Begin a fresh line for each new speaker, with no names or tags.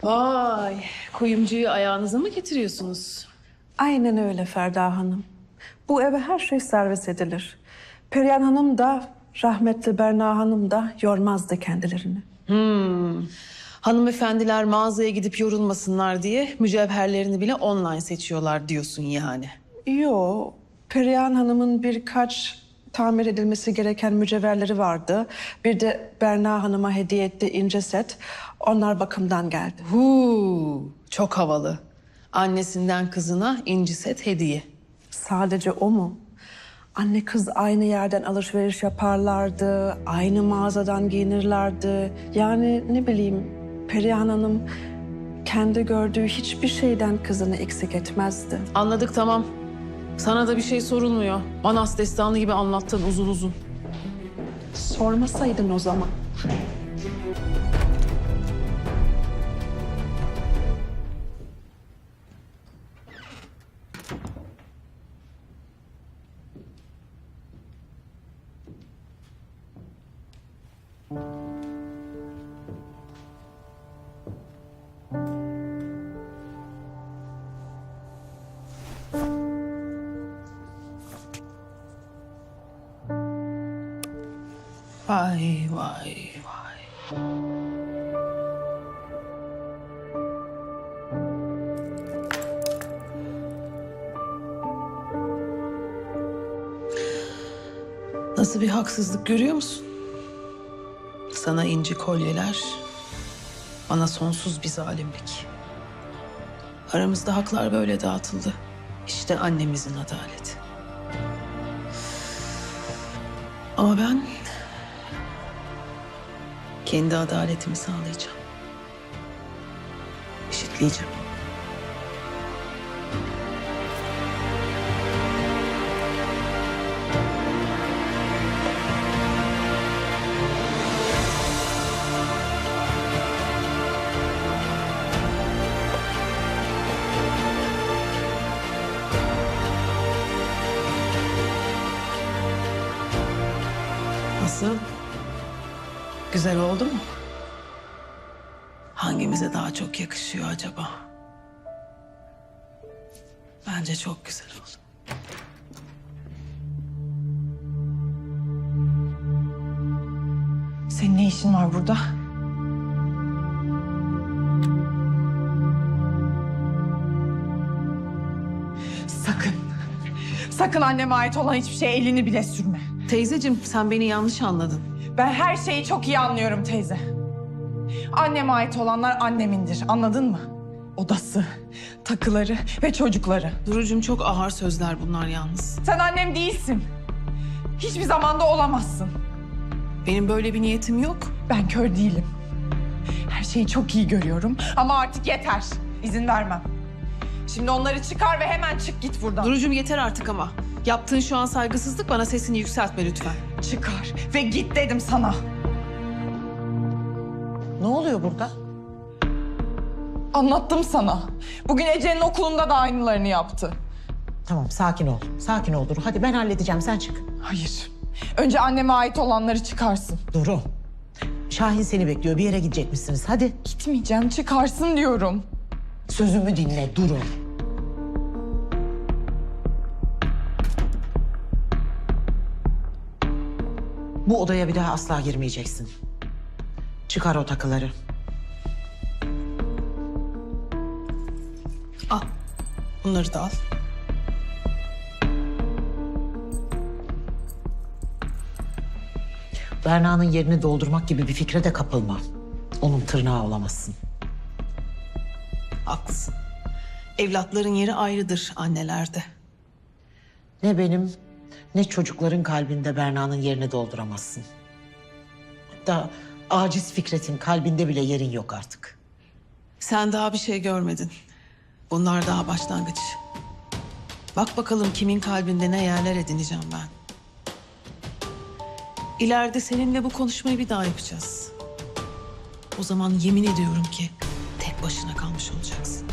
Vay, kuyumcuyu ayağınıza mı getiriyorsunuz?
Aynen öyle Ferda Hanım. Bu eve her şey servis edilir. Perihan Hanım da rahmetli Berna Hanım da yormazdı kendilerini.
Hanımefendiler mağazaya gidip yorulmasınlar diye mücevherlerini bile online seçiyorlar diyorsun yani.
Yo, Perihan Hanım'ın birkaç tamir edilmesi gereken mücevherleri vardı. Bir de Berna Hanım'a hediye ettiği ince set. Onlar bakımdan geldi.
Çok havalı. Annesinden kızına inci set hediye.
Sadece o mu? Anne kız aynı yerden alışveriş yaparlardı, aynı mağazadan giyinirlerdi. Yani ne bileyim, Perihan Hanım kendi gördüğü hiçbir şeyden kızını eksik etmezdi.
Anladık, tamam. Sana da bir şey sorulmuyor. Manas destanı gibi anlattın uzun uzun.
Sormasaydın o zaman.
Vay vay vay. Nasıl bir haksızlık görüyor musun? Sana inci kolyeler, bana sonsuz bir zalimlik. Aramızda haklar böyle dağıtıldı. İşte annemizin adaleti. Ama ben kendi adaletimi sağlayacağım. Eşitleyeceğim. Nasıl? Güzel oldu mu? Hangimize daha çok yakışıyor acaba? Bence çok güzel oldu.
Senin ne işin var burada? Sakın. Sakın anneme ait olan hiçbir şeye elini bile sürme.
Teyzeciğim, sen beni yanlış anladın.
Ben her şeyi çok iyi anlıyorum teyze. Anneme ait olanlar annemindir, anladın mı? Odası, takıları ve çocukları.
Durucum, çok ağır sözler bunlar yalnız.
Sen annem değilsin. Hiçbir zamanda olamazsın.
Benim böyle bir niyetim yok.
Ben kör değilim. Her şeyi çok iyi görüyorum ama artık yeter. İzin vermem. Şimdi onları çıkar ve hemen çık git buradan.
Durucum, yeter artık ama. Yaptığın şu an saygısızlık, bana sesini yükseltme lütfen.
Çıkar ve git dedim sana.
Ne oluyor burada?
Anlattım sana. Bugün Ece'nin okulunda da aynılarını yaptı.
Tamam, sakin ol. Sakin ol Duru. Hadi ben halledeceğim, sen çık.
Hayır. Önce anneme ait olanları çıkarsın.
Duru. Şahin seni bekliyor. Bir yere gidecekmişsiniz. Hadi.
Gitmeyeceğim, çıkarsın diyorum.
Sözümü dinle Duru. Bu odaya bir daha asla girmeyeceksin. Çıkar o takıları.
Al. Bunları da al.
Berna'nın yerini doldurmak gibi bir fikre de kapılma. Onun tırnağı olamazsın.
Haklısın. Evlatların yeri ayrıdır annelerde.
Ne benim ne çocukların kalbinde Berna'nın yerini dolduramazsın. Hatta aciz Fikret'in kalbinde bile yerin yok artık.
Sen daha bir şey görmedin. Bunlar daha başlangıç. Bak bakalım kimin kalbinde ne yerler edineceğim ben. İleride seninle bu konuşmayı bir daha yapacağız. O zaman yemin ediyorum ki tek başına kalmış olacaksın.